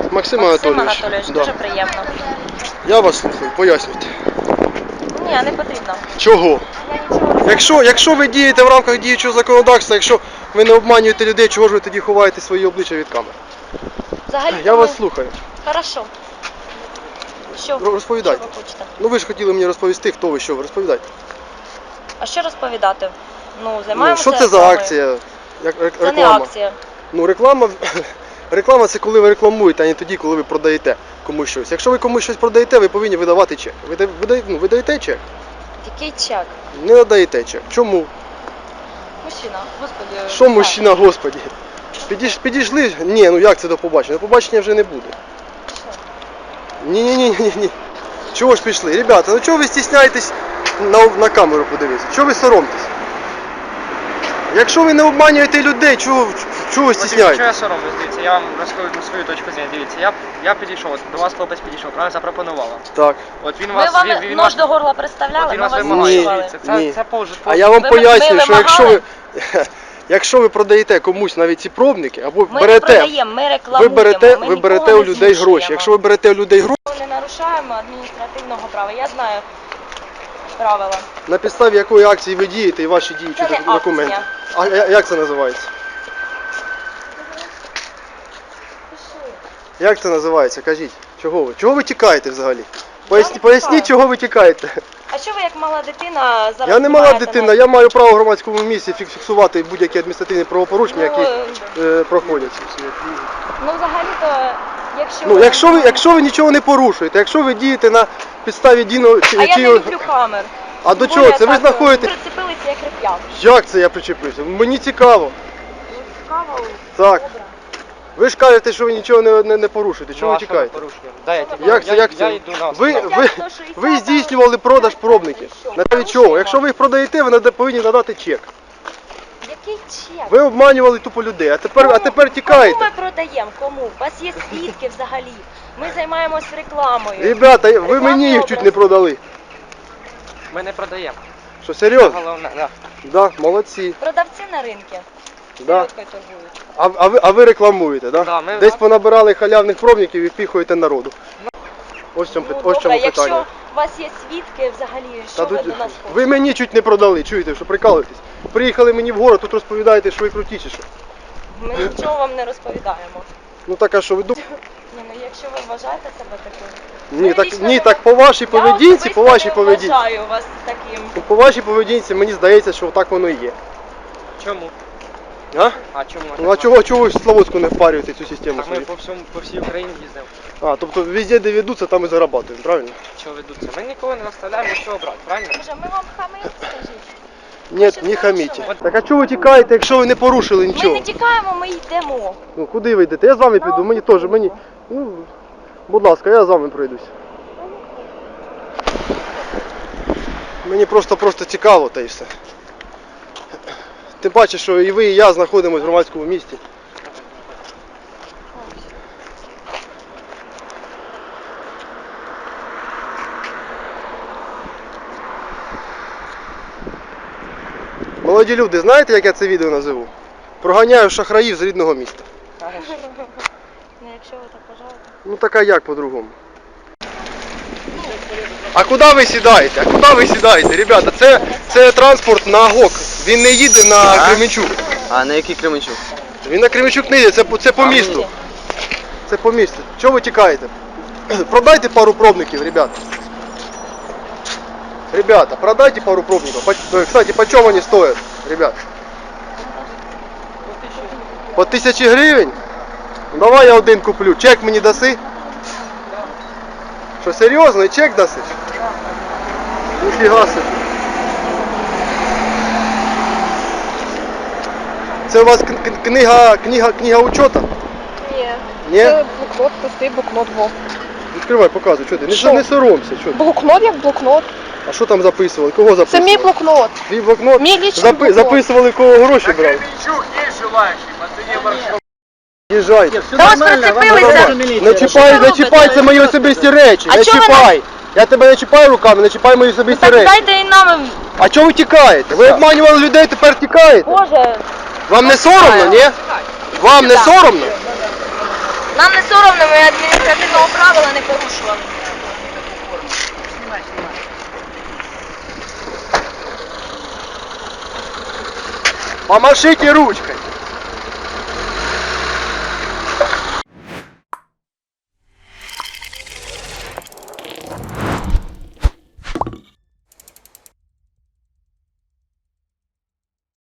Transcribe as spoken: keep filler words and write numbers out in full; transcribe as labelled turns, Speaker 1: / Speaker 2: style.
Speaker 1: Максим,
Speaker 2: Максим
Speaker 1: Анатолійович.
Speaker 2: Анатолійович,
Speaker 1: Да.
Speaker 2: дуже приємно.
Speaker 1: Я вас слухаю, пояснюйте.
Speaker 2: Ні, не потрібно.
Speaker 1: Чого?
Speaker 2: Я нічого не
Speaker 1: Якщо, якщо ви дієте в рамках діючого законодавства, якщо ви не обманюєте людей, чого ж ви тоді ховаєте свої обличчя від камер?
Speaker 2: Взагалі,
Speaker 1: Я
Speaker 2: ми...
Speaker 1: вас слухаю.
Speaker 2: Хорошо. Що?
Speaker 1: Розповідайте.
Speaker 2: Що ви хочете?
Speaker 1: Ну ви ж хотіли мені розповісти, хто ви, що ви, розповідайте.
Speaker 2: А що розповідати? Ну,
Speaker 1: Ну,
Speaker 2: займаємося
Speaker 1: що це за
Speaker 2: рекламою.
Speaker 1: акція? Як рек-
Speaker 2: Це
Speaker 1: реклама?
Speaker 2: не акція.
Speaker 1: Ну реклама, реклама це коли ви рекламуєте, а не тоді, коли ви продаєте комусь щось. Якщо ви комусь щось продаєте, ви повинні видавати чек. Ви, да- ви, да- ну, ви даєте чек?
Speaker 2: Який чек?
Speaker 1: Не надаєте чек. Чому?
Speaker 2: Мужчина, господи.
Speaker 1: Що мужчина, господі? Підійш, підійшли? Ні, ну як це до побачення? До побачення вже не буде. Ні-ні-ні-ні-ні. Чого ж пішли? Ребята, ну чого ви стісняєтесь на, на камеру подивитися? Чого ви соромтесь? Якщо ви не обманюєте людей, чого, чого ви
Speaker 3: Що
Speaker 1: стісняєтесь?
Speaker 3: я соромлюсь, дивіться, я вам розкажу свою точку зору. Дивіться, я, я підійшов, от, до вас хлопець підійшов, правильно запропонував.
Speaker 1: Так.
Speaker 3: От він
Speaker 2: Ми
Speaker 3: вас,
Speaker 2: вам
Speaker 3: він, він
Speaker 2: нож
Speaker 3: вас,
Speaker 2: до горла
Speaker 3: от
Speaker 2: представляли,
Speaker 3: він
Speaker 2: ми
Speaker 3: вас
Speaker 2: вас
Speaker 3: вимагає.
Speaker 1: Ні,
Speaker 2: слухали.
Speaker 3: Дивіться, це,
Speaker 1: ні.
Speaker 3: це повж,
Speaker 1: А я вам
Speaker 2: Ви-
Speaker 1: пояснюю,
Speaker 2: ви
Speaker 1: що якщо ви,
Speaker 2: вимагали?
Speaker 1: якщо ви продаєте комусь навіть ці пробники, або
Speaker 2: Ми
Speaker 1: берете,
Speaker 2: не продаємо, ми
Speaker 1: ви
Speaker 2: рекламуємо.
Speaker 1: берете,
Speaker 2: ми
Speaker 1: ви берете
Speaker 2: нікого
Speaker 1: у
Speaker 2: не
Speaker 1: людей гроші.
Speaker 2: змушуємо.
Speaker 1: Якщо ви берете у людей гроші,
Speaker 2: Ми не нарушаємо адміністративного права, я знаю правила.
Speaker 1: на підставі якої акції ви дієте і ваші діючі
Speaker 2: Це не
Speaker 1: док- документи.
Speaker 2: акція.
Speaker 1: А я- як це називається? Як це називається? Кажіть. Чого ви? Чого ви тікаєте взагалі? Поясні,
Speaker 2: не
Speaker 1: поясніть,
Speaker 2: тікаю.
Speaker 1: чого ви тікаєте.
Speaker 2: А що ви як мала дитина зараз?
Speaker 1: Я не мала
Speaker 2: знімаєте
Speaker 1: дитина,
Speaker 2: нас?
Speaker 1: я маю право в громадському місці фік- фіксувати будь-які адміністративні правопорушення,
Speaker 2: Ну,
Speaker 1: які е, проходять.
Speaker 2: Ну взагалі-то, якщо...
Speaker 1: Ну, якщо ви, якщо ви нічого не порушуєте, якщо ви дієте на підставі дійно чи,
Speaker 2: А я не
Speaker 1: чи-
Speaker 2: люблю камер.
Speaker 1: А до
Speaker 2: Тим
Speaker 1: чого?
Speaker 2: більше
Speaker 1: Це ви
Speaker 2: так,
Speaker 1: знаходите?
Speaker 2: Прицепилися як реп'як.
Speaker 1: Як це я причепився? Мені цікаво.
Speaker 2: Цікаво.
Speaker 1: Так.
Speaker 2: Добре.
Speaker 1: Ви ж кажете, що ви нічого не, не, не порушуєте. Чого ви
Speaker 3: Ну, а що
Speaker 1: тікаєте?
Speaker 3: порушуємо? Да, я, тільки-
Speaker 1: Як це,
Speaker 3: я,
Speaker 1: як
Speaker 3: я
Speaker 1: це?
Speaker 3: йду на
Speaker 1: Ви,
Speaker 3: справу.
Speaker 1: ви, ви здійснювали продаж пробників. На підставі чого? Якщо ви їх продаєте, ви нада- повинні надати чек.
Speaker 2: Який чек?
Speaker 1: Ви обманювали тупо людей, а тепер, а
Speaker 2: Кому-
Speaker 1: тепер тікаєте.
Speaker 2: Кому ми продаємо? Кому? У вас є свідки взагалі. Ми займаємось рекламою.
Speaker 1: Ребята, ви
Speaker 2: Рекламний
Speaker 1: мені їх чуть
Speaker 2: образ.
Speaker 1: не продали.
Speaker 3: Ми не продаємо.
Speaker 1: Що,
Speaker 3: Це
Speaker 1: серйозно?
Speaker 3: головне, да.
Speaker 1: Да, молодці.
Speaker 2: Продавці на ринку.
Speaker 1: Да.
Speaker 2: Селедкою торгують.
Speaker 1: А, а, ви, а ви рекламуєте, да?
Speaker 3: Да, ми-
Speaker 1: Десь понабирали халявних пробників і впіхуєте народу. Ось в цьому,
Speaker 2: Ну,
Speaker 1: пит- ось в
Speaker 2: добре,
Speaker 1: чому питання.
Speaker 2: якщо у вас є свідки взагалі, що
Speaker 1: Та
Speaker 2: ви
Speaker 1: тут-
Speaker 2: до нас
Speaker 1: ви
Speaker 2: хочете?
Speaker 1: мені чуть не продали, чуєте, що прикалуєтесь. Приїхали мені в город, тут розповідаєте, що ви круті чи що.
Speaker 2: Ми нічого вам не розповідаємо.
Speaker 1: Ну так, а що ви думаєте?
Speaker 2: Ні, ну якщо ви вважаєте себе таким.
Speaker 1: Ні,
Speaker 2: Ви
Speaker 1: так,
Speaker 2: лічно
Speaker 1: ні,
Speaker 2: не-
Speaker 1: так по вашій
Speaker 2: Я
Speaker 1: поведінці,
Speaker 2: особисто
Speaker 1: по вашій
Speaker 2: не
Speaker 1: поведінці.
Speaker 2: вважаю вас таким.
Speaker 1: Ну, по вашій поведінці мені здається, що так воно і є.
Speaker 3: Чому?
Speaker 1: А?
Speaker 3: А чому?
Speaker 1: Ну а чого, чого ви в Славутську не впарюєте цю систему
Speaker 3: Так ми
Speaker 1: свою?
Speaker 3: по, всьому, по всій Україні їздимо.
Speaker 1: А, тобто везде, де ведуться, там і зарабатуємо, правильно?
Speaker 3: Чого ведуться? Ми нікого не розставляємо, нічого брати, правильно?
Speaker 2: Може, ми вам хамимо, скажіть?
Speaker 1: Ні,
Speaker 2: щось
Speaker 1: не хаміть.
Speaker 2: порушили?
Speaker 1: Так а чого ви тікаєте, якщо ви не порушили
Speaker 2: Ми
Speaker 1: нічого?
Speaker 2: не тікаємо, ми йдемо.
Speaker 1: Ну куди ви йдете? Я з вами піду, мені теж, мені. Ну, будь ласка, я з вами пройдусь. Мені просто-просто цікаво та і все. Тим паче, що і ви, і я знаходимося в громадському місті. Молоді люди, знаєте, як я це відео називу? Проганяю шахраїв з рідного міста.
Speaker 3: Хорошо.
Speaker 2: Ну, якщо ви так вважаєте.
Speaker 1: Ну так а як по-другому? А куди ви сідаєте? А куди ви сідаєте? Ребята, це, це транспорт на ГОК. Він не їде на
Speaker 4: А?
Speaker 1: Кременчук.
Speaker 4: А на який Кременчук?
Speaker 1: Він на Кременчук не їде, це, по- це по місту. Це по місту. Чого ви тікаєте? Продайте пару пробників, ребята. Ребята, продайте пару пробников. По- Кстати, почем вони стоять, ребят? По тисячі гривень? Ну, давай я один куплю. Чек мені даси? Що, серйозно? І чек даси? Ніфіга собі. Це у вас к- к- книга, книга, книга учета?
Speaker 5: Ні.
Speaker 1: Ні?
Speaker 5: Це блокнот, пустий блокнот. Во.
Speaker 1: Відкривай, показуй, що ти. Не,
Speaker 5: Що?
Speaker 1: не соромся, що ти.
Speaker 5: Блокнот як блокнот.
Speaker 1: А що там записували? Кого
Speaker 5: Це
Speaker 1: записували?
Speaker 5: мій блокнот.
Speaker 1: Твій блокнот?
Speaker 5: Мій лічний
Speaker 1: Запи-
Speaker 5: блокнот.
Speaker 1: Записували, кого гроші брали?
Speaker 6: Кременчук есть желающий, по цене маршрута.
Speaker 1: Їжджайте.
Speaker 2: Та ось прицепилися.
Speaker 1: Не чіпай, не
Speaker 2: робите?
Speaker 1: чіпай, це мої особисті речі.
Speaker 2: А
Speaker 1: Не
Speaker 2: чого ви
Speaker 1: чіпай. Я тебе не чіпаю руками, не чіпай мої особисті
Speaker 2: Так
Speaker 1: речі.
Speaker 2: дайте і нам.
Speaker 1: А чого ви тікаєте? Ви обманювали людей, тепер тікаєте?
Speaker 2: Боже.
Speaker 1: Вам не соромно, ні? Вам не соромно?
Speaker 2: Нам не соромно, ми адміністративного правила не порушували.
Speaker 6: Снимай, снимай.
Speaker 1: Помашите ручкой.